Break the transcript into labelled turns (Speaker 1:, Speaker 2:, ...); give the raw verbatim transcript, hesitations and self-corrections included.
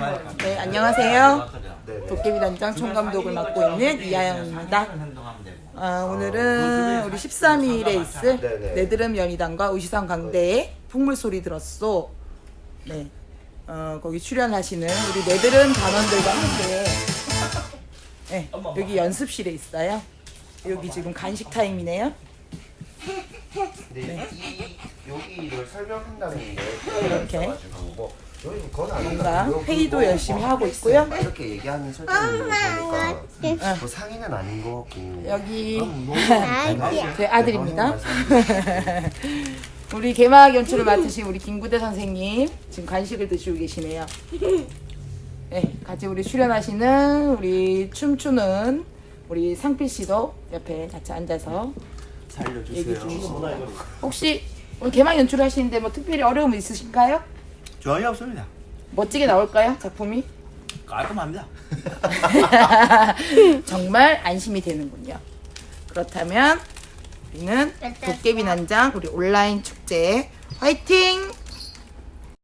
Speaker 1: 네, 안녕하세요. 도깨비 단장 총감독을 맡고 있는 이하영입니다. 아, 오늘은 우리 십삼 일에 있을 네드름 연희단과 의시상 강대의 풍물소리 들었소. 네, 어, 거기 출연하시는 우리 네드름 단원들과 함께 네, 여기 연습실에 있어요. 여기 지금 간식 타임이네요.
Speaker 2: 네. 이 여기를 설명한다는 게
Speaker 1: 이렇게
Speaker 2: 여기 그건 아니다.
Speaker 1: 뭔가 회의도 열심히 하고 있고요.
Speaker 2: 이렇게 얘기하는 설정이 보니까 뭐 상의는 아닌 것 같고
Speaker 1: 여기
Speaker 2: 네,
Speaker 1: 제 아들입니다. 우리 개막 연출을 맡으신 우리 김구대 선생님 지금 간식을 드시고 계시네요. 네, 같이 우리 출연하시는 우리 춤추는 우리 상필 씨도 옆에 같이 앉아서 얘기 중이십니다. 혹시 오늘 개막 연출을 하시는데 뭐 특별히 어려움 있으신가요?
Speaker 3: 전혀 없습니다.
Speaker 1: 멋지게 나올까요? 작품이?
Speaker 3: 깔끔합니다.
Speaker 1: 정말 안심이 되는군요. 그렇다면 우리는 도깨비 난장 우리 온라인 축제 화이팅!